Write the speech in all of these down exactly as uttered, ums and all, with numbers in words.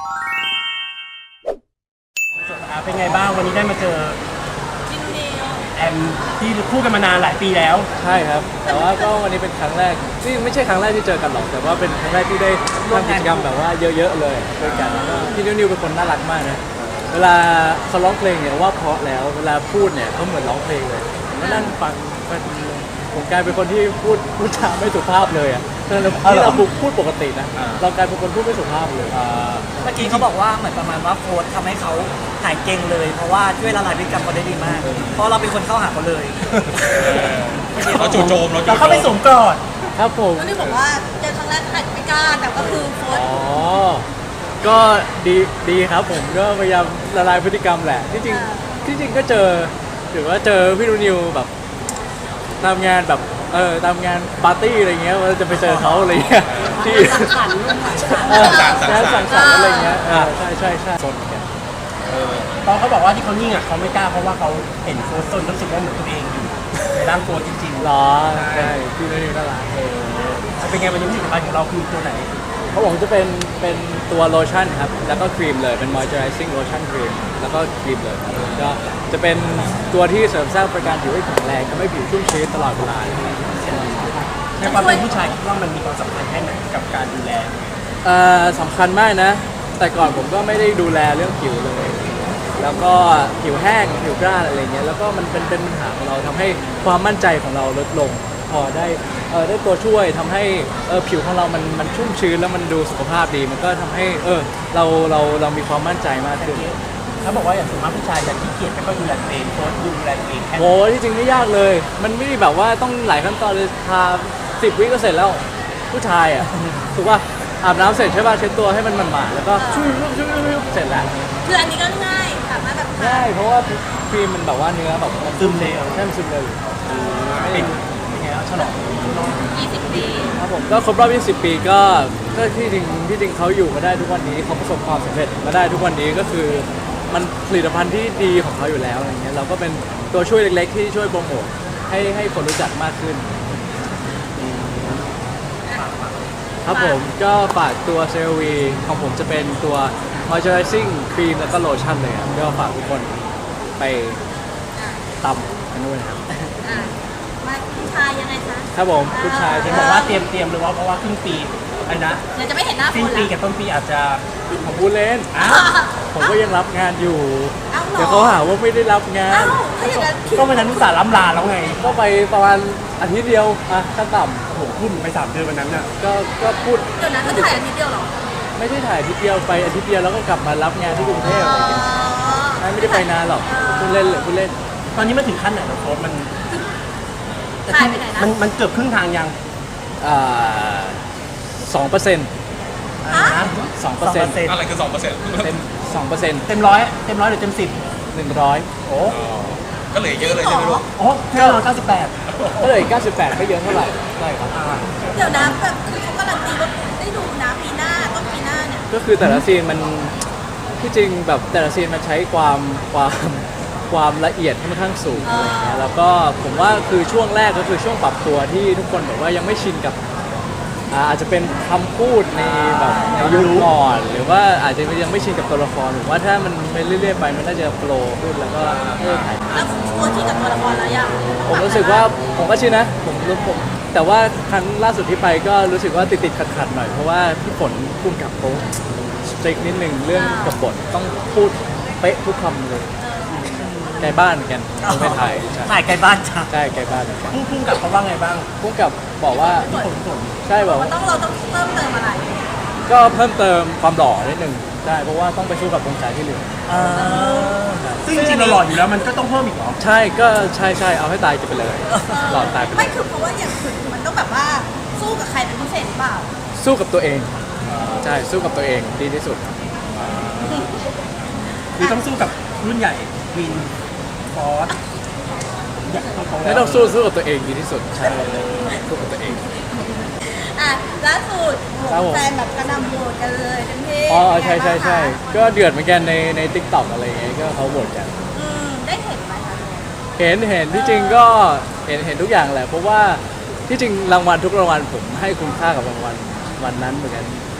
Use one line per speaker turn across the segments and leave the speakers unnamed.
เป็นไงบ้างวันนี้ได้มาเจอ
จินนิว
แอมที่คู่กันมานานหลายปีแล้ว
ใช่ครับแต่ว่าก็วันนี้เป็นครั้งแรกที่ไม่ใช่ครั้งแรกที่เจอกันหรอกแต่ว่าเป็นครั้งแรกที่ได้ทำกิจกรรมแบบว่าเยอะๆเลยด้วยกันแล้วก็พี่นิวเป็นคนน่ารักมากนะเวลาเขาร้องเพลงเนี่ยว่าเพราะแล้วเวลาพูดเนี่ยเขาเหมือนร้องเพลงเลยผมก็นั่งฟังผมกลายเป็นคนที่พูดพูดจาไม่สุภาพเลยอ่ะที่เราพูดปกตินะเรากลายเป็นคนพูดไม่สุภาพเลย
เมื่อกี้เขาบอกว่าเหมือนประมาณว่าโค้ชทำให้เขาหายเก่งเลย เพราะว่าช่วยละลายพฤติกรรมเขาได้ดีมาก เพราะเราเป็นคนเข้าหาเขาเลย
เราจู่โจมเรา
เราเข้าไปสวมกอด
ครับผม
ก็นี่บอกว่าเจอครั้งแรกอาจจะไม่กล้าแต่ก็คือโค้ช
อ๋อก็ดีดีครับผมก็พยายามละลายพฤติกรรมแหละที่จริงที่จริงก็เจอหรือว่าเจอพี่นูนิวแบบทำงานแบบเออทำงานปาร์ตี้อะไรเงี้ยว่าจะไปเจอเขาอะไรเงี้ยที่งานสังสรรค์อะไรเงี้ยใช่ใช่ใช่โซนกัน
ตอนเขาบอกว่าที่เขานิ่งอ่ะเขาไม่กล้าเพราะว่าเขาเห็นโค้ชต้นรู้สึกว่าเหมือนตัวเองอยู่ในร่างโค้ชจริงๆ
หรอใช่พี่นูนิวน่ารักเออ
เป็นไงวันนี้ผลิตภัณฑ์ของเราคือตัวไหน
เขาบอกจะเป็นเป็นตัวโลชั่นครับแล้วก็ครีมเลยเป็น moisturizing lotion ครีมแล้วก็ครีมเลยครับก็จะเป็นตัวที่เสริมสร้างประการผิวให้แข็งแรงทำให้ผิวชุ่มชื้นตลอดเวลา
ในความเป็นผู้ชายคิดว่ามันมีความสำคัญแค่ไหนกับการดูแล
เอ่อสำคัญมากนะแต่ก่อนผมก็ไม่ได้ดูแลเรื่องผิวเลยแล้วก็ผิวแห้งผิวกร้านอะไรเงี้ยแล้วก็มันเป็นเป็นปัญหาของเราทำให้ความมั่นใจของเราลดลงพอได้เออได้ตัวช่วยทำให้เออผิวของเรามันมันชุ่มชื้นแล้วมันดูสุขภาพดีมันก็ทำให้เออเราเราเรามีความมั่นใจมากขึ้น
เขาบอกว่าอย่างส่วนมากผู้ชายจะขี้เกียจไม่ค่อยดูแลตัวเองโค้ชดูแลตัวเองแค่
โอ้ที่จริงไม่ยากเลยมันไม่ได้แบบว่าต้องหลายขั้นตอนเลยทาสิบวิก็เสร็จแล้วผู้ชายอ่ะถูกป่ะอาบน้ำเสร็จใช่ป่ะเช็ดตัวให้มันหมาดๆแล้วก็ชุ่มชุ่มชุ่มชุ่มเสร็จแล้ว
คืออันนี้ก็ง่ายสามารถแบบ
ง่ายเพราะว่าครีมมันแบบว่าเนื้อแบบมัน
ซึมเร็ว
ใช่มันซึมเร็ว
เป็นยังไงแล้วฉลอง
ยี่สิบปี
ครับผมก็ครบรอบยี่สิบปีก็ก็ที่จริงที่จริงเขาอยู่มาได้ทุกวันนี้เขาประสบความสำเร็จมาได้ทุกวันนี้ก็คือมันผลิตภัณฑ์ที่ดีของเขาอยู่แล้วอะไรเงี้ยเราก็เป็นตัวช่วยเล็กๆที่ช่วยโปรโมทให้ให้คนรู้จักมากขึ้นครับผมก็ฝากตัวเซรวีของผมจะเป็นตัว moisturizing ครีมแล้วก็โลชั่นเลยครับก็ฝากทุกคนไปตำกันด้วยนะครับ
มาผู้ชายยังไงคะ
ครับผมผู้ชาย
ที่บอกว่าเตรียมเตรียมเลยว่าเพราะว่าครึ่งปีอะไรนะ
เดี๋ยวจะไม่เห็นหน้า
ครึ่งปีกับต้นปีอาจจะ
ผมพูดเล่นผมก็ยังรับงานอยู่เดี๋ยวเขาหาว่าไม่ได้รับงาน
ก็วันนั้นนุสาล้ำลาแล้วไง
ก็ไปประมาณอาทิตย์เดียวอ่ะขั้นต่ำ
โอ้โหขึ้นไปสามเดือนวันนั้นน่ะ
ก็ก็พูด
เดี๋ยวนั้นก็ถ่ายอาทิตย์เดียวหรอ
ไม่ได้ถ่ายอาทิตย์เดียวไปอาทิตย์เดียวแล้วก็กลับมารับงานที่กรุงเทพอะไรอย่างเงี้ยไม่ได้ไปนานหรอกพูดเล่นเลยพูดเล่น
ตอนนี้มันถึงขั้นไหนแล้วโค้ชมัน
ถ่ายไปไหนนะ
มันมันเกือบครึ่งทางยัง
อ่าสองเปอร์เซ็นต์สองเปอร์เซ็นต์
อะไรคือสองเปอร์เซ็นต์
เต็มสองเปอร์เซ็นต์
เต็มร้อยเต็มร้อยหรือเต็มสิบ
หนึ่งร้อย
โอ้
ก็เหลือเยอะเลยใช่ไหมลูก
โอ้แค่ร้อยเก้าสิบแปด
ก็เลยเก้าสิบแปดไม่เยอะเท่าไหร่ใช่ครับ
เดี๋ยวนะแบบคือเขาการันตีว่าได้ดูนะปีหน้าต้นปีหน้าเนี่ย
ก็คือแต่ละซีนมันที่จริงแบบแต่ละซีนมันใช้ความความความละเอียดค่อนข้างสูงอะไรเงี้ยแล้วก็ผมว่าคือช่วงแรกก็คือช่วงปรับตัวที่ทุกคนแบบว่ายังไม่ชินกับอาจจะเป็นคำพูดในแบบในยุคก่อนหรือว่าอาจจะยังไม่ชินกับตัวละครหรือว่าถ้ามันไปเรื่อยๆไปมันน่าจะโปรขึ้นแล้วก็เออถ่าย
แล้วตัวชินกับตัวละครแล้วยัง
ผมรู้สึกว่าผมก็ชินนะผมรู้ผมแต่ว่าครั้งล่าสุดที่ไปก็รู้สึกว่าติดๆขัดๆหน่อยเพราะว่าพี่ฝนพุ่งกับเขาสตริกนิดนึงเรื่องกับบทต้องพูดเป๊ะทุกคำเลยไกลบ้านเหมือนกันไม่ถ่าย
ถ่ายไกลบ้านจ้ะ
ใช่ไกลบ้านเหมือนกัน
พุ่งกับเขาว่าไงบ้าง
พุ่งกับบอกว่าใช่บอกว่า
ต้องเราต้องเพิ่มเติมอะไร
ก็เพิ่มเติมความหล่อนิดนึงใช่เพราะว่าต้องไปสู้กับวงสายที่เหลือ
ซึ่งจริงๆเราหล่ออยู่แล้วมันก็ต้องเพิ่มอีกเหรอ
ใช่ก็ใช่ใช่เอาให้ตายจะไปเลยหล่อตายไป
ไม่คือเพราะว่าอย่างอื่นมันต้องแบบว่าสู้กับใครเป็นพิเศษหรือเปล่า
สู้กับตัวเองใช่สู้กับตัวเองดีที่สุด
คือต้องสู้กับรุ่นใหญ่วินฟอส
ไม่ต้องสู้สู้กับตัวเองดีที่สุดใช่สู้กับตัวเอง
อ่ะล่าสุดแฟนแบบกระนำโหวตกันเลยเต็มที่
อ๋อใช่ใช่ใช่ก็เดือดเหมือนกันในในทิกตอกอะไรอย่างเงี้ยก็เขาโหวตกัน
ได้เห็นไหมคะ
เห็นเห็นที่จริงก็เห็นเห็นทุกอย่างแหละเพราะว่าที่จริงรางวัลทุกรางวัลผมให้คุณค่ากับรางวัลวันนั้นเหมือนกัน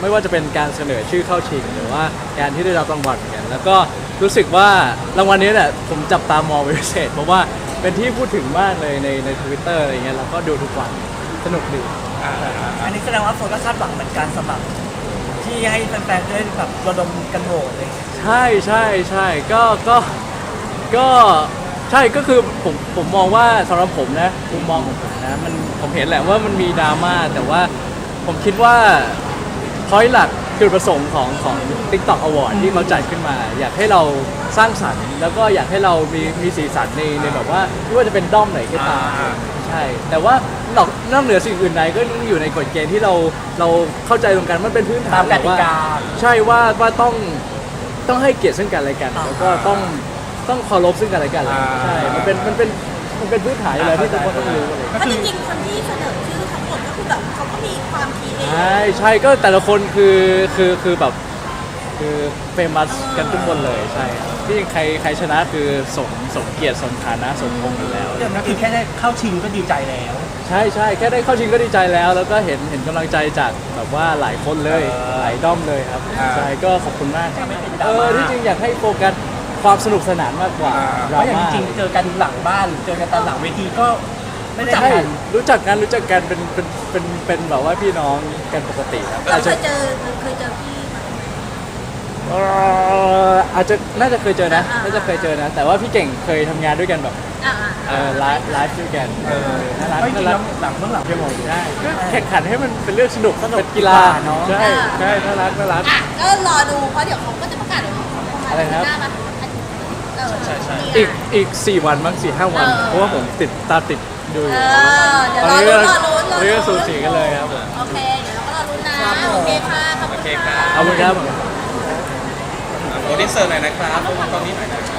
ไม่ว่าจะเป็นการเสนอชื่อเข้าชิงหรือว่าการที่ได้รับรางวัลเหมือนกันแล้วก็รู้สึกว่ารางวัลนี้แหละผมจับตามองเป็นพิเศษเพราะว่าเป็นที่พูดถึงมากเลยในในทวิตเตอร์อะไรเงี้ยแล้วก็ดูทุกวันสนุกดี
อันนี้แสดงว่าโฟนก็คาดหวังเหมือนกันสำหรับที่ให้แฟนๆได้แบบระดมกันโหวตอะไรอย่างเลย
ใช่ใช่ใช่ก็ก็ก็ใช่ก็คือผมผมมองว่าสำหรับผมนะมุมมองของผมนะมันผมเห็นแหละว่ามันมีดราม่าแต่ว่าผมคิดว่าพอยหลักจุดประสงค์ของของ TikTok Award ที่เขาจัดขึ้นมา อยากให้เราสร้างสรรค์แล้วก็อยากให้เรามีมีสีสันในในแบบว่าไม่ว่าจะเป็นด้อมไหนก็ตามใช่แต่ว่านอกนอกเหนือสิ่งอื่นใดก็ต้องอยู่ในกฎเกณฑ์ที่เราเราเข้าใจตรงกันมันเป็นพื้นฐา
ตาน มกติกา
ใช่ว่าว่าต้องต้องให้เกียรติซึ่งกันและกัน แล้วก็ต้องต้องเคารพซึ่งกันและกันใช่มันเป็นมันเป็นมันเป็นพื้นฐานอยู่แล้วที่ทุกคนต้องรู้อะไร
ถ้าจริงๆคนที่เสนอชื่อทั้งหมดก็คือแบบเขาก็มีความคิดเอง
ใช่ใช่ก็แต่ละคนคือคือคือแบบคือเฟมัสกันทุกคนเลยใช่ครับที่ใครใครชนะคือสมสมเกียรติสมฐานะสมพงษ์อยู่แล้ว
ก็คือแค่ได้เข้าชิงก็ดีใจแล้ว
ใช่ใช่แค่ได้เข้าชิงก็ดีใจแล้ว แล้วก็เห็นเห็นกำลังใจจากแบบว่าหลายคนเลย
เออ
หลายด้อมเลยครับ
อ่า
ใช่ก็ขอบคุณมากครับ
ไม่เป็นดรา
เอ
ม่า
อที่จริงอยากให้โฟกัสความสนุกสนานมากกว่า
เพ
ดรา
ราะอย่าง
ม่า
จริงๆเจอกันหลังบ้านเจอกันตอนหลังเวทีก็ไม่ได้
ใช่
กัน
รู้จักกันรู้จักกันเป็นเป็นเป็นเป็นแบบว่าพี่น้องกันปกติครับ
เรา
อาจ
เค
จะ
ยเจอเคยเจอพี่ไหม
เอ่ออาจจะน่าจะเคยเจอนะ
อ่า
น่าจะเคยเจอนะ แต่ว่าพี่เก่งเคยทำงานด้วยกันแบบ
อ่า
เออไลฟ์ไลฟ์ด้วยกัน
เออ
น่ารัก
ไม่จริ
น่าง รั
แล้
ก
วหลังเมื่อหลัง
จะบอกได้ก็แข่งขันให้มันเป็นเรื่องสนุก
สนุก
เป็นกีฬา
ดีกว่าเนอะ
ใช่ใช่น่ารักน่ารัก
อ่ะก็รอดูเพราะเดี๋ยวเขาก็จะประกาศเดี๋ยวเขาประมาณ
อะไรครับ
หน้ามาเออ
ใช่ใช่
มี
อีก
นะ
อีกสี่วันมั้งสี่ห้าวัน
เออ
เพราะว่าผมติดตามติดดูอยู่
เออเดี๋ยว
ตอน
รอ
นี้
ลุ้
ก็
นรอลุ้นรอ
ตอนนี้
ลุ้
ก็
น
สูสีกันเลยครับผม
โอเคเดี๋ยวเราก็รอลุ้นนะโอเคค่ะขอบคุณ
โอเคครั
ค่ะ
บ
เอาเลยครับ
โปรดิวเซอร์หน่อยนะครับตอนนี้หน่อยนะครับ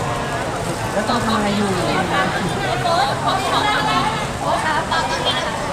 แล้วต้องทำอะไรอยู่